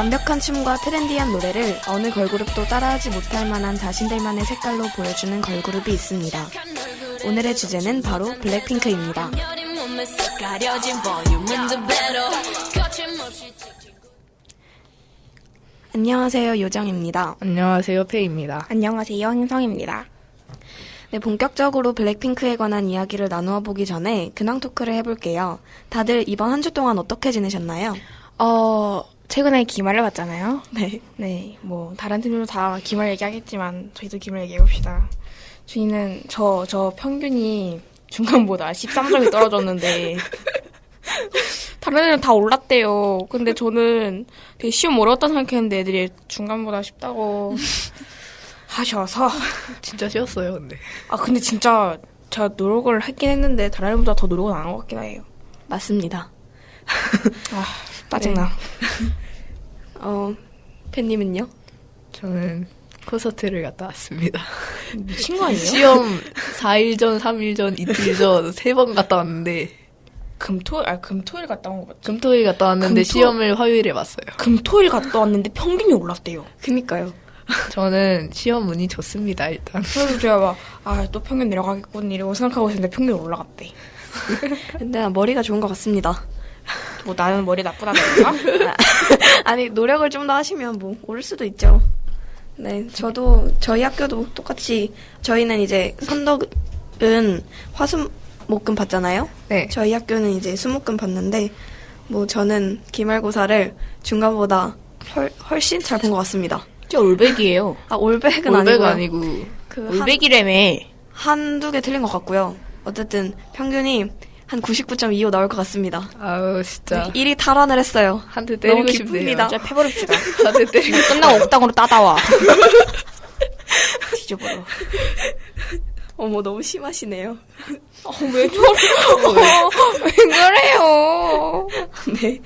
완벽한 춤과 트렌디한 노래를 어느 걸그룹도 따라하지 못할 만한 자신들만의 색깔로 보여주는 걸그룹이 있습니다. 오늘의 주제는 바로 블랙핑크입니다. 안녕하세요, 요정입니다. 안녕하세요, 페이입니다. 안녕하세요, 행성입니다. 네, 본격적으로 블랙핑크에 관한 이야기를 나누어 보기 전에 근황 토크를 해볼게요. 다들 이번 한 주 동안 어떻게 지내셨나요? 최근에 기말을 봤잖아요. 네. 네, 다른 팀들도 다 기말 얘기하겠지만, 저희도 기말 얘기해봅시다. 저희는, 저 평균이 중간보다 13점이 떨어졌는데, 다른 애들은 다 올랐대요. 근데 저는 되게 시험 어려웠다 생각했는데 애들이 중간보다 쉽다고 하셔서. 진짜 쉬웠어요, 근데. 근데 진짜 제가 노력을 했긴 했는데 다른 애보다 더 노력은 안 한 것 같긴 해요. 맞습니다. 짜증나. 팬님은요? 저는 콘서트를 갔다 왔습니다. 미친 거 아니에요? 시험 4일 전, 3일 전, 이틀 전 3번 갔다 왔는데 금토일 갔다 온 거 맞죠? 금토일 갔다 왔는데 시험을 화요일에 봤어요. 금토일 갔다 왔는데 평균이 올랐대요. 그니까요. 저는 시험 운이 좋습니다, 일단. 그래서 제가 또 평균 내려가겠군 이러고 생각하고 있었는데 평균이 올라갔대. 근데 난 머리가 좋은 것 같습니다. 나는 머리 나쁘다던가? 아니, 노력을 좀 더 하시면 오를 수도 있죠. 네, 저희 학교도 똑같이, 저희는 이제 선덕은 화수목금 봤잖아요? 네. 저희 학교는 이제 수목금 봤는데, 저는 기말고사를 중간보다 훨씬 잘 본 것 같습니다. 진짜 올백이에요. 올백은 올백 아니고요. 아니고. 올백이라며. 한두 개 틀린 것 같고요. 어쨌든 평균이 한 99.25 나올 것 같습니다. 아우, 진짜. 1위 탈환을 했어요. 한 대 때리고 너무 싶네요. 기쁩니다. 진짜 패버립시다. 한 대 때리고 끝나고 옥당으로 따다와. 뒤져버려. 어머, 너무 심하시네요. 왜 저래요? 왜 그래요? 네.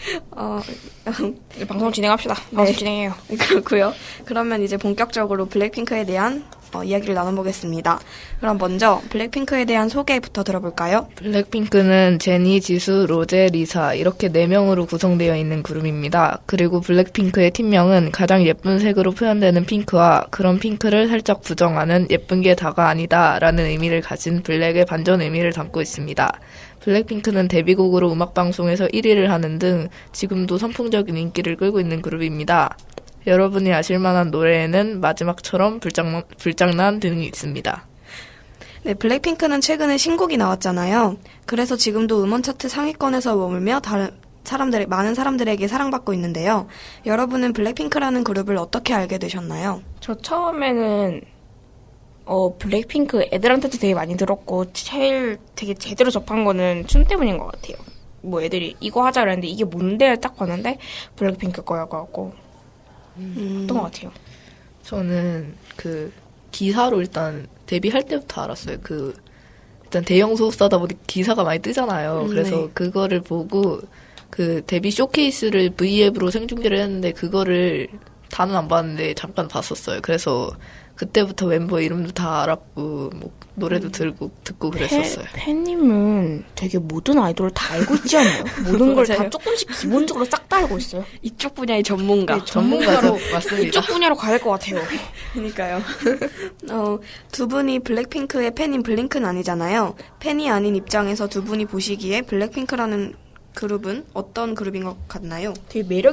방송 진행합시다. 방송 진행해요. 그렇고요. 그러면 이제 본격적으로 블랙핑크에 대한 이야기를 나눠보겠습니다. 그럼 먼저 블랙핑크에 대한 소개부터 들어볼까요? 블랙핑크는 제니, 지수, 로제, 리사 이렇게 4명으로 구성되어 있는 그룹입니다. 그리고 블랙핑크의 팀명은 가장 예쁜 색으로 표현되는 핑크와 그런 핑크를 살짝 부정하는 예쁜 게 다가 아니다 라는 의미를 가진 블랙의 반전 의미를 담고 있습니다. 블랙핑크는 데뷔곡으로 음악방송에서 1위를 하는 등 지금도 선풍적인 인기를 끌고 있는 그룹입니다. 여러분이 아실만한 노래에는 마지막처럼 불장난 등이 있습니다. 네, 블랙핑크는 최근에 신곡이 나왔잖아요. 그래서 지금도 음원 차트 상위권에서 머물며 많은 사람들에게 사랑받고 있는데요. 여러분은 블랙핑크라는 그룹을 어떻게 알게 되셨나요? 저 처음에는 블랙핑크 애들한테도 되게 많이 들었고 제일 되게 제대로 접한 거는 춤 때문인 것 같아요. 애들이 이거 하자 그랬는데 이게 뭔데 딱 봤는데 블랙핑크 거라고 하고 어떤 것 같아요. 저는 기사로 일단 데뷔할 때부터 알았어요. 일단 대형 소속사다 보니 기사가 많이 뜨잖아요. 그래서 네. 그거를 보고 데뷔 쇼케이스를 V앱으로 생중계를 했는데 그거를 다는 안 봤는데 잠깐 봤었어요. 그래서 그때부터 멤버 이름도 다 알았고 노래도 듣고 그랬었어요. 팬님은 되게 모든 아이돌을 다 알고 있지 않아요? 모든 걸 다 맞아요. 조금씩 기본적으로 싹 다 알고 있어요. 이쪽 분야의 전문가. 네, 전문가죠. 맞습니다. 이쪽 분야로 가야 될 것 같아요. 그러니까요. 두 분이 블랙핑크의 팬인 블링크는 아니잖아요. 팬이 아닌 입장에서 두 분이 보시기에 블랙핑크라는 그룹은 어떤 그룹인 것 같나요? 되게 매력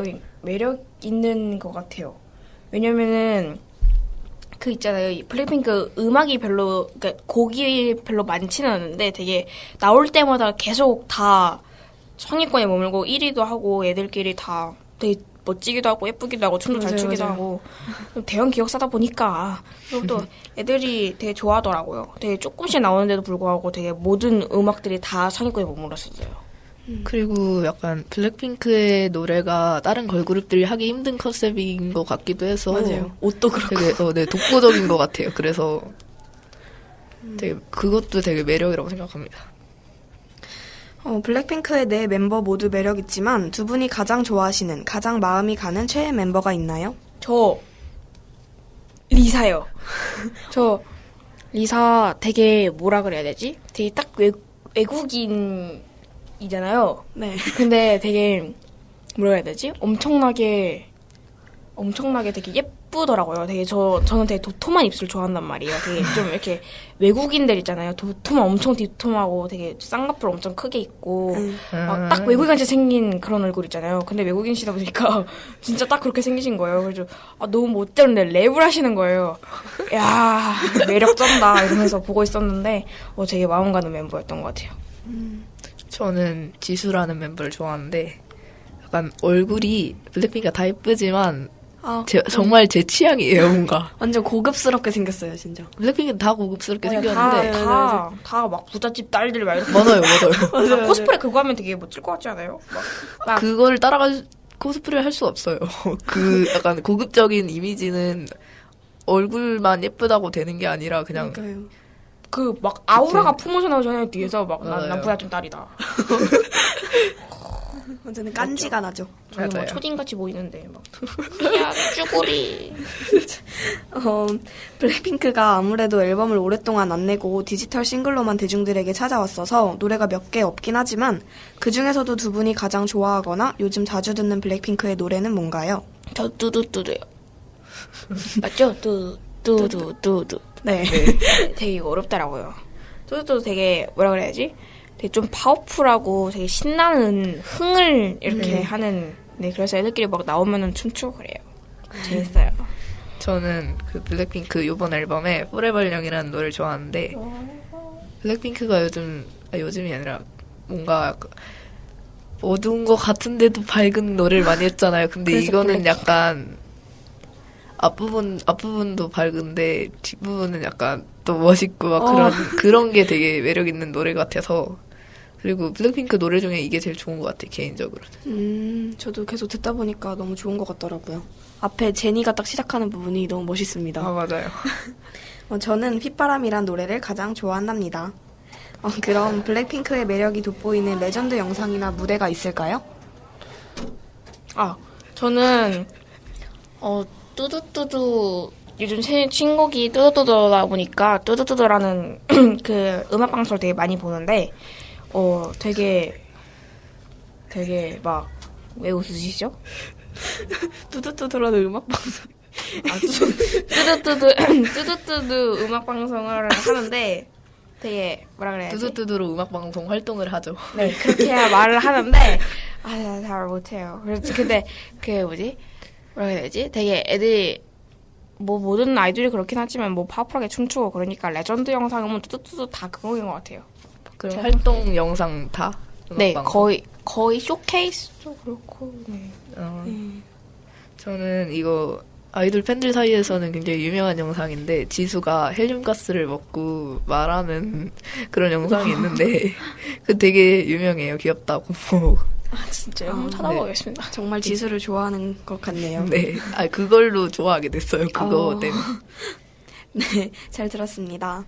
있는 것 같아요. 왜냐면은 있잖아요. 블랙핑크 음악이 그러니까 곡이 별로 많지는 않은데 되게 나올 때마다 계속 다 상위권에 머물고 1위도 하고 애들끼리 다 되게 멋지기도 하고 예쁘기도 하고 춤도 잘 맞아요, 추기도 맞아요. 하고 대형 기획사다 보니까 그리고 또 애들이 되게 좋아하더라고요. 되게 조금씩 나오는데도 불구하고 되게 모든 음악들이 다 상위권에 머물렀었어요. 그리고 약간 블랙핑크의 노래가 다른 걸그룹들이 하기 힘든 컨셉인 것 같기도 해서 맞아요. 옷도 그렇고. 되게 독보적인 것 같아요. 그래서 그것도 되게 매력이라고 생각합니다. 블랙핑크의 네 멤버 모두 매력 있지만 두 분이 가장 좋아하시는, 가장 마음이 가는 최애 멤버가 있나요? 저 리사요. 저 리사 되게 뭐라 그래야 되지? 되게 딱 외국인이잖아요. 네. 근데 되게 뭐라 해야 되지? 엄청나게 엄청나게 되게 예쁘더라고요. 되게 저는 되게 도톰한 입술 좋아한단 말이에요. 되게 좀 이렇게 외국인들 있잖아요. 도톰한 엄청 도톰하고 되게 쌍꺼풀 엄청 크게 있고 막 딱 외국인같이 생긴 그런 얼굴 있잖아요. 근데 외국인이시다 보니까 진짜 딱 그렇게 생기신 거예요. 그래서 너무 못 되는데 랩을 하시는 거예요. 야 매력 쩐다 이러면서 보고 있었는데 되게 마음 가는 멤버였던 것 같아요. 저는 지수라는 멤버를 좋아하는데 약간 얼굴이 블랙핑크가 다 예쁘지만 정말 제 취향이에요, 뭔가. 완전 고급스럽게 생겼어요, 진짜. 블랙핑크는 다 고급스럽게 생겼는데. 다 막 부잣집 딸들 막 이렇게. 맞아요. 맞아요. 코스프레 그거 하면 되게 멋질 것 같지 않아요? 막 그거를 코스프레를 할 수 없어요. 그 약간 고급적인 이미지는 얼굴만 예쁘다고 되는 게 아니라 그냥 그러니까요. 그 막 아우라가 품어져 나오잖아요, 뒤에서 막 난 맞아요. 부잣집 딸이다. 완전 깐지가 나죠. 저는 뭐 맞아요. 초딩같이 보이는데 막 야 쭈구리. 블랙핑크가 아무래도 앨범을 오랫동안 안 내고 디지털 싱글로만 대중들에게 찾아왔어서 노래가 몇 개 없긴 하지만 그 중에서도 두 분이 가장 좋아하거나 요즘 자주 듣는 블랙핑크의 노래는 뭔가요? 저 뚜두뚜두요. 맞죠? 뚜두뚜두. 네. 되게 이거 어렵더라고요. 뚜두뚜두 되게 뭐라 그래야지? 되게 좀 파워풀하고 되게 신나는 흥을 이렇게 하는. 네, 그래서 애들끼리 막 나오면은 춤추고 그래요. 재밌어요. 저는 그 블랙핑크 요번 앨범에 Forever Young이라는 노래를 좋아하는데 블랙핑크가 요즘이 아니라 뭔가 약간 어두운 것 같은데도 밝은 노래를 많이 했잖아요. 근데 그래서 이거는 약간 앞부분도 밝은데 뒷부분은 약간 또 멋있고 막 그런 게 되게 매력 있는 노래 같아서 그리고 블랙핑크 노래 중에 이게 제일 좋은 것 같아요, 개인적으로는. 저도 계속 듣다 보니까 너무 좋은 것 같더라고요. 앞에 제니가 딱 시작하는 부분이 너무 멋있습니다. 맞아요. 저는 휘바람이란 노래를 가장 좋아한답니다. 그럼 블랙핑크의 매력이 돋보이는 레전드 영상이나 무대가 있을까요? 저는 뚜두뚜두 요즘 신곡이 뚜두뚜두다 보니까 뚜두뚜두라는 그 음악 방송을 되게 많이 보는데 되게 막 왜 웃으시죠? 뚜두뚜두라는 음악 방송. 뚜두뚜두 음악 방송을 하는데 되게 뭐라 그래야지? 뚜두뚜두로 음악방송 활동을 하죠. 네, 그렇게 말을 하는데 잘 못해요. 그래서 근데 그 뭐지? 뭐라 해야 되지? 되게 애들이 뭐 모든 아이돌이 그렇긴 하지만 뭐 파워풀하게 춤추고 그러니까 레전드 영상은 뚜뚜뚜두 다 그거인 것 같아요. 그럼 활동 영상 다? 네, 음악방송? 거의 쇼케이스도 그렇고. 네. 저는 이거 아이돌 팬들 사이에서는 굉장히 유명한 영상인데 지수가 헬륨가스를 먹고 말하는 그런 영상이 있는데 그 되게 유명해요. 귀엽다고. 진짜요? 한번 찾아보겠습니다. 정말 지수를 좋아하는 것 같네요. 네. 그걸로 좋아하게 됐어요. 그거 때문에. 네, 잘 들었습니다.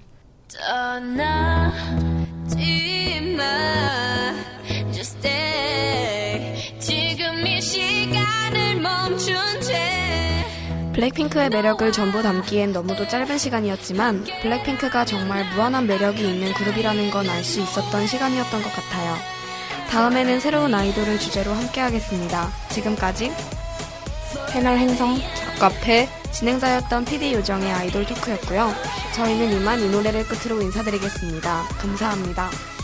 떠나지 마 Just stay 지금 이 시간을 멈춘 채 블랙핑크의 매력을 전부 담기엔 너무도 짧은 시간이었지만 블랙핑크가 정말 무한한 매력이 있는 그룹이라는 건 알 수 있었던 시간이었던 것 같아요. 다음에는 새로운 아이돌을 주제로 함께하겠습니다. 지금까지 패널 행성 카페 진행자였던 PD 요정의 아이돌 토크였고요. 저희는 이만 이 노래를 끝으로 인사드리겠습니다. 감사합니다.